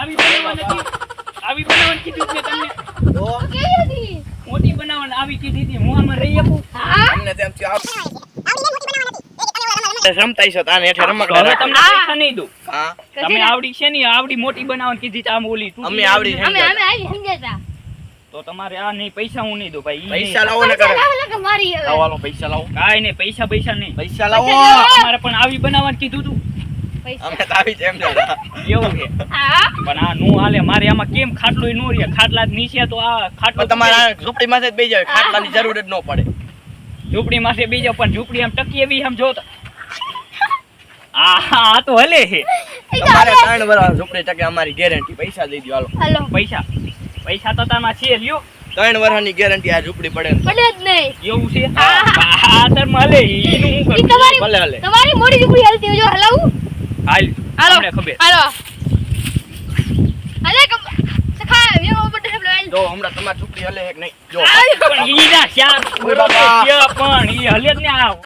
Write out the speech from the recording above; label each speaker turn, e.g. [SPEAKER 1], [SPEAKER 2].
[SPEAKER 1] આવી બનાવવાની કીધું છે તમને
[SPEAKER 2] તો
[SPEAKER 3] કેવી હતી
[SPEAKER 1] મોટી બનાવવાની આવી કીધી હતી હું આમાં રહી શકું
[SPEAKER 3] હા
[SPEAKER 2] તમને તેમ થયું રમતાઈ છો તાને હેઠે રમકડા
[SPEAKER 1] હવે
[SPEAKER 2] રાખો.
[SPEAKER 1] તમને પૈસા નહીં દઉં
[SPEAKER 2] હા
[SPEAKER 1] તમે આવડી છે ને આવડી મોટી બનાવવાની કીધી છે આમ ઓલી તૂટી
[SPEAKER 2] અમે આવડી
[SPEAKER 1] જાય ને.
[SPEAKER 3] અમે આવી સમજાતા
[SPEAKER 1] તો તમારે આ નહીં પૈસા હું નહીં દઉં ભાઈ ઈ
[SPEAKER 2] પૈસા
[SPEAKER 1] નહીં.
[SPEAKER 2] લાવો ને કરે
[SPEAKER 3] કે મારી હવે
[SPEAKER 2] લાવો હાલો, પૈસા લાવો
[SPEAKER 1] કાંઈ નહીં પૈસા નહીં
[SPEAKER 2] પૈસા લાવો
[SPEAKER 1] તમારે પણ આવી બનાવવાનું કીધું તું
[SPEAKER 3] પૈસા
[SPEAKER 2] અમે તો આવી જ એમ જતા.
[SPEAKER 1] એવું છે
[SPEAKER 3] હા
[SPEAKER 1] પણ આ નો હાલે મારે આમાં કેમ ખાટલો નો રે ખાટલા જ નીચે તો આ ખાટલો
[SPEAKER 2] પણ તમારે આ ઝૂંપડી માં જ બેસી જાવ ખાટલાની જરૂર જ ન પડે
[SPEAKER 1] ઝૂંપડી માં બીજો પણ ઝૂંપડી આમ ટકી એવી આમ જોતા આ તો હલે છે
[SPEAKER 2] તમારે 3 વર્ષ ઝૂંપડી ટકે અમારી ગેરંટી પૈસા દઈ દો હાલો
[SPEAKER 3] હાલો
[SPEAKER 1] પૈસા તો તમારા છે લ્યો
[SPEAKER 2] 3 વર્ષની ગેરંટી આ ઝૂંપડી પડે ને તો.
[SPEAKER 3] પડે જ નહીં
[SPEAKER 1] એવું છે આ તર મળે ઈનું હું
[SPEAKER 3] ઈ
[SPEAKER 1] કરું
[SPEAKER 3] તમારી
[SPEAKER 2] ભલે હાલે
[SPEAKER 3] તમારી મોટી ઝૂંપડી હાલતી હોય જો હલાવું
[SPEAKER 1] હાલ
[SPEAKER 3] હાલો
[SPEAKER 1] તમને ખબર
[SPEAKER 3] હાલો હાલે સખા મેં ઓપડે સબ લઈ
[SPEAKER 2] જો હમણાં તમારી ઝૂંપડી હલે છે કે નહીં જો
[SPEAKER 1] પણ ઈ ના શ્યામ
[SPEAKER 2] ઓય બાપા.
[SPEAKER 1] પણ ઈ હલે જ ને આ